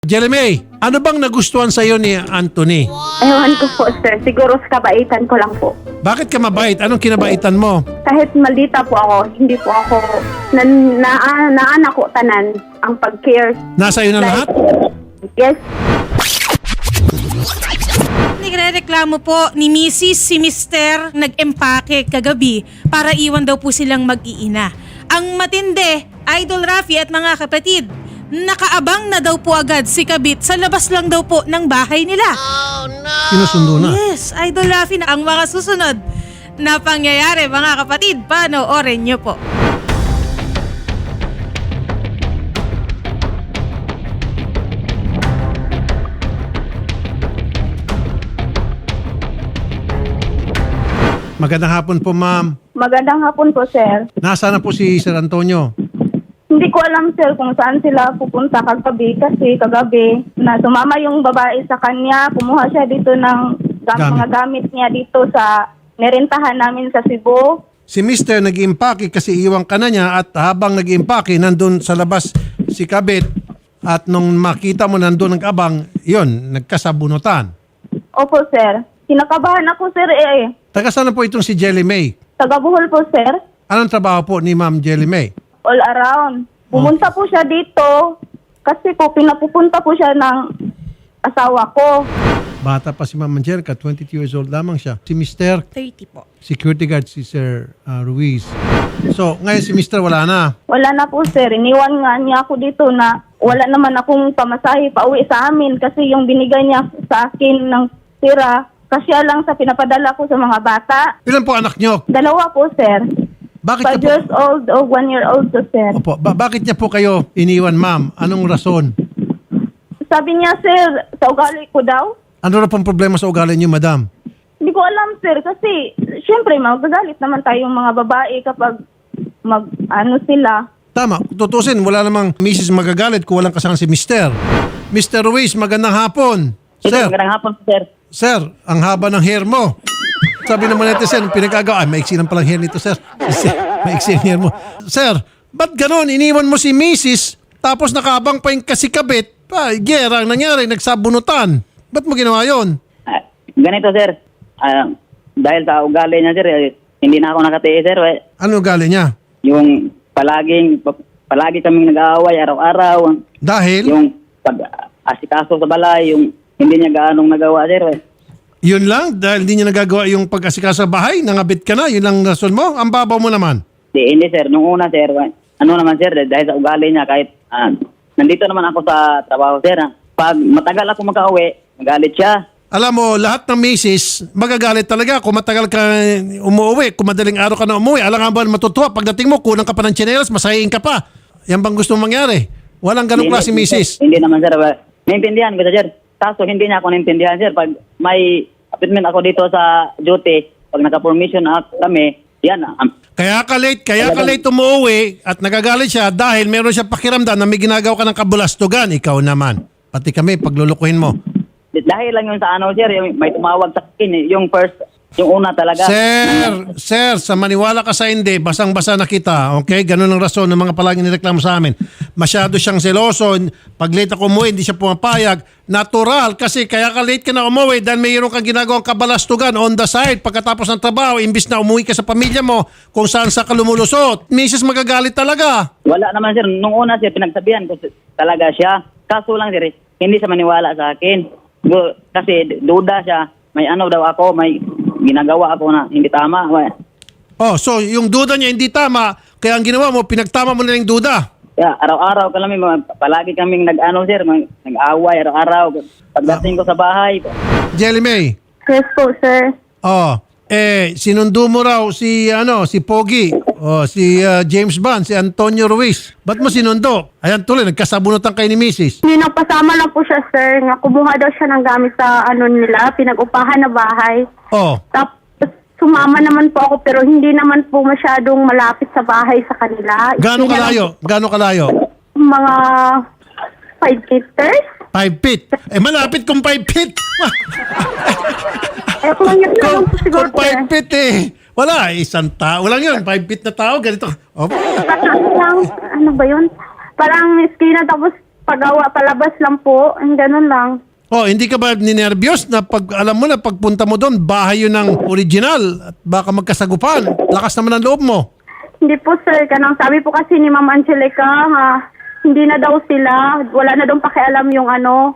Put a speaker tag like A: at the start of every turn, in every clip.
A: Jeremy, ano bang nagustuhan sa iyo ni Anthony?
B: Ewan ko po, sir. Siguro sa kabaitan ko lang po.
A: Bakit ka mabait? Anong kinabaitan mo?
B: Kahit maldita po ako, hindi po ako naanak ko tanan ang pag-care.
A: Nasa iyo na lahat?
B: Yes.
C: Nagrereklamo po ni Mrs. si Mr. nag-empake kagabi para iwan daw po silang mag-iina. Ang matindi, Idol Rafi at mga kapatid, nakaabang na daw po agad si Kabit sa labas lang daw po ng bahay nila.
A: Sinusundo na.
C: Yes, Idol Rafi na ang mga susunod na pangyayari mga kapatid. Panoorin nyo po.
A: Magandang hapon po, ma'am.
B: Magandang hapon po, sir.
A: Nasaan na po si Sir Antonio?
B: Hindi ko alam, sir, kung saan sila pupunta kagabi kasi kagabi na sumama yung babae sa kanya. Kumuha siya dito ng mga gamit niya dito sa nerentahan namin sa Cebu.
A: Si Mr. nag-iimpake kasi iwan ka na niya at habang nag-iimpake, nandun sa labas si Kabit at nung makita mo nandun nag-abang, yun, nagkasabunutan.
B: Opo, sir. Kinakabahan ako, sir,
A: Taga saan na po itong si Jelly May?
B: Taga Bohol po, sir.
A: Anong trabaho po ni Ma'am Jelly May?
B: All around. Pumunta po siya dito kasi po pinapupunta po siya ng asawa ko.
A: Bata pa si Ma'am Angelica, 22 years old lamang siya. Si Mr.
C: 30 po.
A: Security guard si Sir Ruiz. So, ngayon si Mr. wala na.
B: Wala na po, sir. Iniwan nga niya ako dito na wala naman akong pamasahe pa uwi sa amin kasi yung binigay niya sa akin ng tira, kasya lang sa pinapadala ko sa mga bata.
A: Ilan po anak nyo?
B: 2 po, sir.
A: Bakit
B: 5
A: niya po,
B: years old o 1 year old to, sir.
A: Opo, bakit niya po kayo iniwan, ma'am? Anong rason?
B: Sabi niya, sir, sa ugali ko daw.
A: Ano na pong problema sa ugali niyo, madam?
B: Hindi ko alam, sir, kasi syempre magagalit naman tayong mga babae kapag sila.
A: Tama, tutusin, wala namang misis magagalit kung walang kasama si Mr. Mr. Ruiz, magandang hapon. Sir,
D: Magandang hapon, sir.
A: sir, ang haba ng hair mo. Sabi naman natin, sir, pinagagawa, maiksi lang palang hair nito, sir. Maiksi ang hair mo. Sir, ba't ganon? Iniwan mo si misis, tapos nakaabang pa yung kasikabit. Gera ang nangyari, nagsabunutan. Ba't mo ginawa yun?
D: Ganito, sir. Dahil sa ugali niya, sir, hindi na ako nakatiis, sir.
A: Ano ugali niya?
D: Yung palagi kaming nag-aaway araw-araw.
A: Dahil?
D: Yung pag-asikaso sa balay, yung hindi niya gaanong nagawa, sir.
A: Yun lang? Dahil hindi niya nagagawa yung pag-asikaso sa bahay, nangabit ka na, yun lang rason mo? Ang babaw mo naman.
D: Hindi, sir. Nung una, sir, ano naman, sir, dahil sa ugali niya, kahit nandito naman ako sa trabaho, sir. Pag matagal ako mag-aaway, magalit siya.
A: Alam mo, lahat ng misis, magagalit talaga kung matagal ka umuwi, kung madaling araw ka na umuwi. Alam nga ba matutuwa, pagdating mo, kulang ka pa ng tsinelas, masahiin ka pa. Yan bang gusto mong mangyari? Walang ganong klase misis.
D: Hindi naman, sir. Naintindihan ko, sir. Kaso hindi niya ako naintindihan, sir. Pag may appointment ako dito sa duty, pag naka-permission kami, yan.
A: Kaya ka late umuwi at nagagalit siya dahil meron siya pakiramdam na may ginagawa ka ng kabulastugan. Ikaw naman. Pati kami, paglulukuhin mo.
D: Dahil lang yun sa sir, may tumawag sa akin, yung una talaga.
A: Sir, sa maniwala ka sa hindi, basang-basa na kita, okay? Ganun ang rason ng mga palaging nireklamo sa amin. Masyado siyang seloso, pag late ako umuwi, hindi siya pumapayag. Natural, kasi kaya ka late ka na umuwi dahil mayroon kang ginagawang kabalastugan on the side pagkatapos ng trabaho, imbis na umuwi ka sa pamilya mo kung saan sa ka lumulusot. Misis, magagalit talaga.
D: Wala naman, sir. Nung una, sir, pinagsabihan ko talaga siya. Kaso lang, sir, hindi siya maniwala sa akin. Kasi duda siya, may daw ako, may ginagawa ako na hindi tama.
A: Oh, so yung duda niya hindi tama, kaya ang ginawa mo, pinagtama mo na yung duda.
D: Kaya araw-araw palagi kaming nag-sir, nag-away araw-araw. Pagdating ko sa bahay.
A: Jelly May.
B: Yes po, sir.
A: Oh, sinundo mo raw si Pogi, si James Bond, si Antonio Ruiz. Ba't mo sinundo? Ayan tuloy, nagkasabunutan kayo ni Mrs.
B: Hindi nagpasama lang po siya, sir. Nga kumuha daw siya ng gamit sa nila, pinag-upahan na bahay.
A: Oh,
B: Tapos sumama naman po ako pero hindi naman po masyadong malapit sa bahay sa kanila.
A: gaano kalayo?
B: Mga 5 meters.
A: 5 feet. Malapit kung 5 feet.
B: Kung yun na lang po siguro,
A: Kung 5 feet wala, isang tao lang yun. 5 feet na tao, ganito. Oh.
B: Lang, ano ba yun? Parang eskina tapos pagawa, palabas lang po. Ang ganun lang.
A: Oh, hindi ka ba ninervyos na pag alam mo na pagpunta mo doon, bahay yun ng original at baka magkasagupan? Lakas naman ang loob mo.
B: Hindi po sir, kanang sabi po kasi ni Ma'am Angelica, hindi na daw sila, wala na daw pakialam yung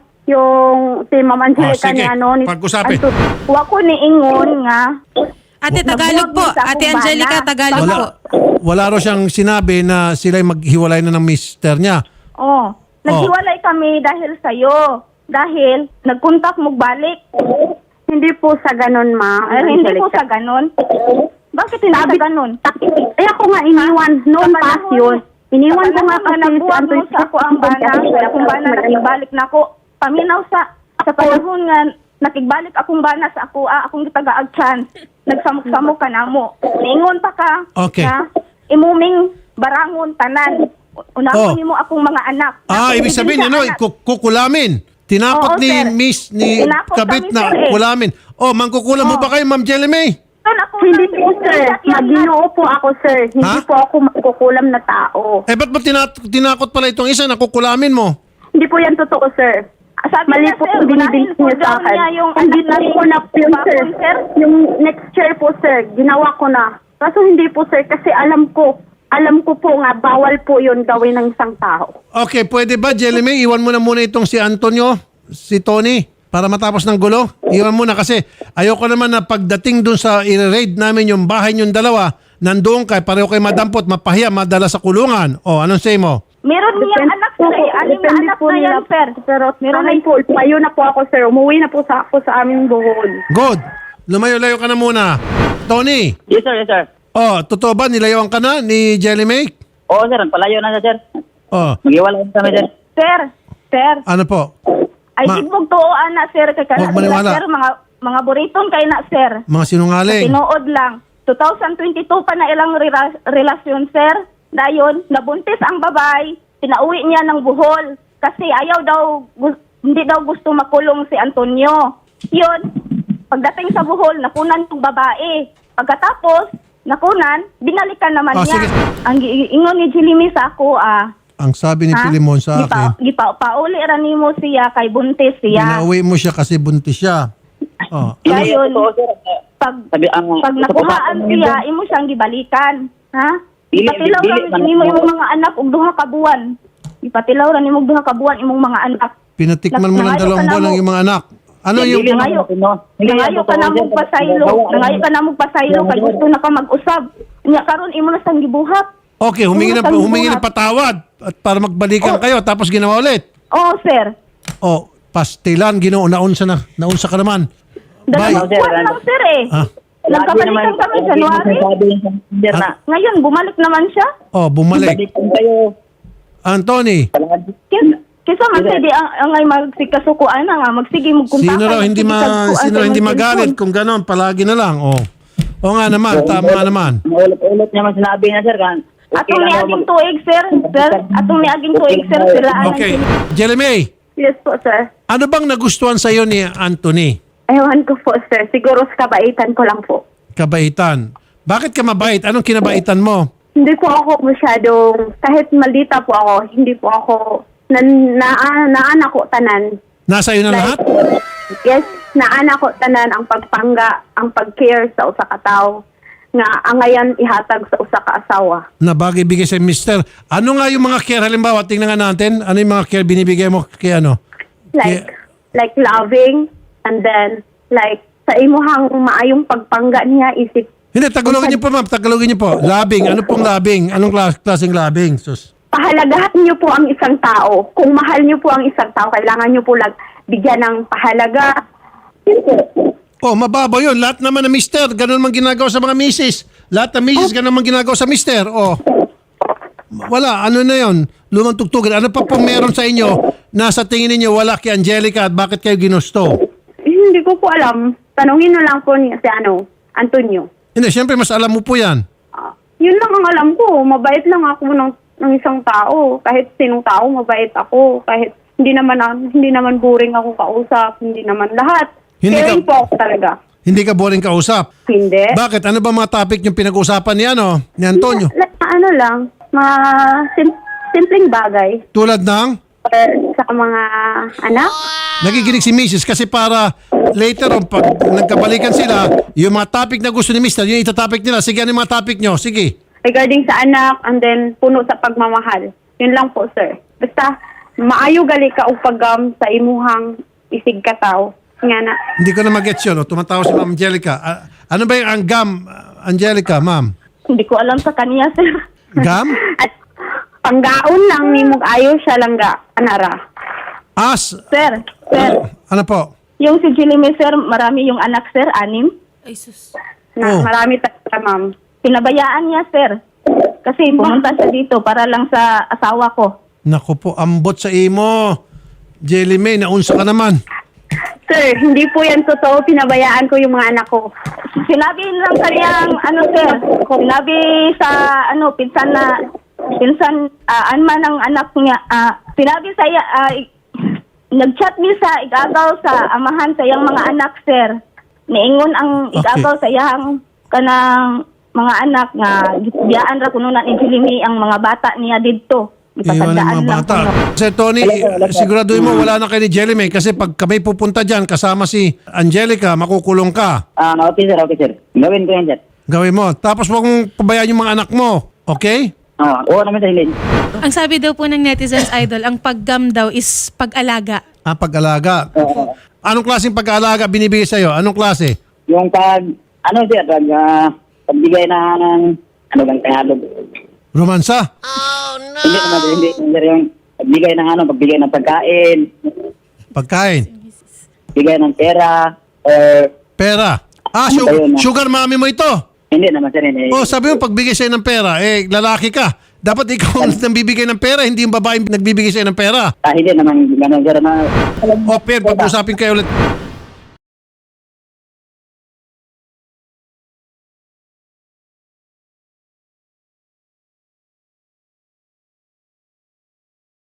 B: yung si Ma'am Angelica
A: sige.
B: ni ni
A: Pag-usapin.
B: Wa ko ni ingon nga.
C: Ate, Tagalog po.
B: Nabuwag mo sa
C: Ate
B: akong
C: Angelica,
B: bana.
C: Tagalog
A: Wala,
C: po.
A: wala raw siyang sinabi na sila'y maghiwalay na ng mister niya.
B: Oh, naghiwalay kami dahil sa'yo. Dahil nagkontak mo balik. Hindi po sa ganun, ma. Hindi po sa ganun. Bakit hindi sa ganun? Eh ako nga iniwan noon pa yun. Iniwan ko nga kasi nabuwag mo sa ako ang bana. Kaya akong bana nakigbalik na ako. Paminaw sa panahon nga nakigbalik akong bana sa ako, akong gitagaagchan. Nagsamok-samok ka na mo. Niingon pa ka.
A: Okay.
B: Na, imuming barangon tanan. Unahon mo akong mga anak.
A: Ibig sabihin, kukulamin. Tinakot
B: Oo,
A: ni
B: sir.
A: Miss, ni
B: Tinakot
A: Kabit
B: kami,
A: na
B: sir, eh.
A: kulamin. Mangkukulam mo ba kayo, Ma'am Jelly May?
B: Hindi po, sir. Maginoo po ako, sir. Hindi po ako magkukulam na tao.
A: Ba't ba tinakot pala itong isa na kukulamin mo?
B: Hindi po yan totoo, sir. Mali po po binibigay niya sa akin. Hindi na po na yun, sir. Yung next year po, sir, ginawa ko na. Kaso hindi po, sir, kasi alam ko po nga, bawal po yun gawin ng isang tao.
A: Okay, pwede ba, Jelly May, iwan mo na muna itong si Antonio, si Tony, para matapos ng gulo? Iwan mo na kasi ayoko naman na pagdating dun sa i-raid namin yung bahay niyong dalawa, nandoon pareho kayo madampot, mapahiya, madala sa kulungan. Anong say mo?
B: Meron niyang anak, sir. Anim na anak na yan, sir. Pero meron na po. Tumayo na po ako, sir. Umuwi na po ako sa aming buhol.
A: Good. Lumayo-layo ka na muna. Tony,
D: Yes sir, yes sir.
A: totoo ba nilayoan ka na ni Jelly May?
D: Oo sir, palayo na siya sir. Maghiwalay kami sir.
B: Sir.
A: Ano po?
B: Ay, ibog to, ana, sir. Kaya
A: Huwag maniwala.
B: sir, mga buriton kayo na, sir.
A: Mga sinungaling.
B: Tinuod lang. 2022 pa na ilang relasyon, sir. Dayon, nabuntis ang babae. Pinauwi niya ng buhol. Kasi hindi daw gusto makulong si Antonio. Yun, pagdating sa buhol, nakunan yung babae. Pagkatapos, nakunan, binalikan naman niya.
A: Sige.
B: Ang ingon ni Jilimi sa ako,
A: Ang sabi ni Pilimon sa akin,
B: pauli ra nimo siya kay buntis siya.
A: pinauwi mo siya kasi buntis siya.
B: Dayon,
D: Oo, sir.
B: pag
D: Sa
B: nakuhaan
D: pagkakataon
B: siya,
D: nito,
B: imo siyang gibalikan. Ha?
D: Dili,
B: Ipatilaw
D: dili,
B: ra nimo imong mga anak og duha ka buwan. Ipatilaw ra nimo og duha ka buwan imong mga anak.
A: Pinatikman mo ng
B: Nangayo
A: 2
B: ka na
A: buwan
B: mo.
A: ng iyong mga anak. Ano
D: Dili
A: yung...
D: naman
B: Nangayo.
D: ako, Hindi yan
B: Nangayo ka
D: totoo,
B: na
D: sir.
B: mong pasaylo. Nangayo ka na mong pasaylo kay gusto na ka mag-usab. Nya karon imo na sang gibuhat.
A: Okay, humingi ng patawad at para magbalikan kayo tapos ginawa ulit.
B: Oo, sir.
A: Pastilan, naunsa ka naman. Bye.
B: Dalawang buwan lang, sir eh. Nagkabalikan kami January.
D: Sir na.
B: Ngayon, bumalik naman siya.
A: Bumalik.
D: Balikan kayo.
A: Anthony,
B: Kisa man sige ang ay magsikasukuan na nga magsige mo kunta.
A: sino raw hindi magalit kung gano'n, palagi na lang. O nga naman, tama nga naman.
D: Ulit niya man sinabi niya sir kan.
B: Atong niaging tuig sir. Atong niaging tuig sir sila.
A: Okay, Jelly May,
B: Yes po sir.
A: ano bang nagustuhan sa'yo ni Anthony?
B: Ewan ko po sir. Siguro sa kabaitan ko lang po.
A: Kabaitan. Bakit ka mabait? Anong kinabaitan mo?
B: Hindi po ako masyadong, kahit maldita po ako, hindi po ako, naanak ko tanan.
A: Nasa iyo na lahat?
B: Yes, naanak ko tanan ang pagpangga, ang pag-care sa usa ka tawo nga ang ngayon ihatag sa usa ka asawa.
A: Na bagay bigay sa mister. Ano nga yung mga care? Halimbawa, tingnan nga natin. Ano yung mga care binibigay mo kay ano?
B: Like loving, and then like sa imuhang maayong pagpangga niya isip.
A: Hindi, Tagalogin niyo po ma'am. Tagalogin niyo po. Labing. Ano pong labing? Anong klaseng labing? Sus.
B: Pahalagahan niyo po ang isang tao. Kung mahal niyo po ang isang tao, kailangan niyo po bigyan ng pahalaga.
A: Mababaw yun. Lahat naman ng mister, ganun man ginagawa sa mga misis. Lahat ng misis, ganun man ginagawa sa mister. Wala. Ano na yun? Lumang tugtugan. Ano pa pong meron sa inyo na sa tingin ninyo wala kay Angelica at bakit kayo ginusto?
B: Hindi ko po alam. Tanungin na lang po niya si Antonio.
A: Hindi, syempre mas alam mo po yan.
B: Yun lang ang alam ko. Mabait lang ako ng isang tao. Kahit sinong tao, mabait ako. Kahit hindi naman boring ako kausap. Hindi naman lahat. Caring po ako talaga.
A: Hindi ka boring kausap?
B: Hindi.
A: Bakit? Ano ba mga topic yung pinag-usapan ni Antonio?
B: Ano lang, simpleng bagay.
A: Tulad ng?
E: sa mga anak.
A: Nakikinig si Mrs. kasi para later on, pag nagkabalikan sila, yung mga topic na gusto ni Mr., yung itatopic nila. Sige, ano yung mga topic nyo? Sige.
E: Regarding sa anak and then puno sa pagmamahal. Yun lang po, sir. Basta maayo gali ka og pagam sa imuhang isig kataw. Nga na.
A: Hindi ko na mag-gets yun. O, tumatawa si Ma'am Angelica. Ano ba yung ang gam, Angelica, ma'am?
B: Hindi ko alam sa kanya, sir.
A: Gam?
E: At panggaon lang ni mong ayo siya lang ga anara.
A: As?
B: Sir,
A: Ano po?
B: yung si Jilime, sir, marami yung anak, sir, 6.
C: Ay, sus.
E: Na
A: Oh.
E: marami talaga, ma'am.
B: Pinabayaan niya, sir. Kasi pumunta siya dito para lang sa asawa ko.
A: Naku po, ambot sa imo. Jelly May, naunsa ka naman.
E: Sir, hindi po yan totoo. Pinabayaan ko yung mga anak ko.
B: Sinabi lang kanyang, sir, sinabi sa, pinsan, anman ng anak niya, sinabi sa iya, nag-chat niya sa igagaw sa amahan sa iyang mga anak, sir. Niingon ang igagaw sa iyang kanang mga anak nga biyaan ra kuno na ni Jilimi ang mga bata niya didto.
A: Iwan ng mga bata. Sir Tony, siguraduhin mo wala na kayo ni Jelly May kasi pag kami pupunta dyan kasama si Angelica, makukulong ka.
D: Okay sir. Gawin ko yan, sir.
A: Gawin mo. Tapos huwag mong pabayaan yung mga anak mo. Okay?
D: Oo naman sir, hindi.
C: Ang sabi daw po ng netizens, Idol, ang paggam daw is pag-alaga.
A: Pag-alaga. Anong klaseng pag-alaga binibigay sa'yo? Anong klase?
D: Yung sir, pagbigay na ng, bang Tagalog?
A: Romansa?
D: Hindi naman, hindi sir, yung pagbigay ng pagkain,
A: Pagkain?
D: bigay ng pera, or
A: Pera? Sugar mommy mo ito?
D: hindi naman sir, hindi.
A: Oh, sabi mo pagbigay sa'yo ng pera, lalaki ka. Dapat ikaw ang nagbibigay ng pera, hindi yung babae nagbibigay sa'yo ng pera.
D: Hindi naman, gano'n sir, na,
A: O, Pierre, pag-usapin kayo ulit.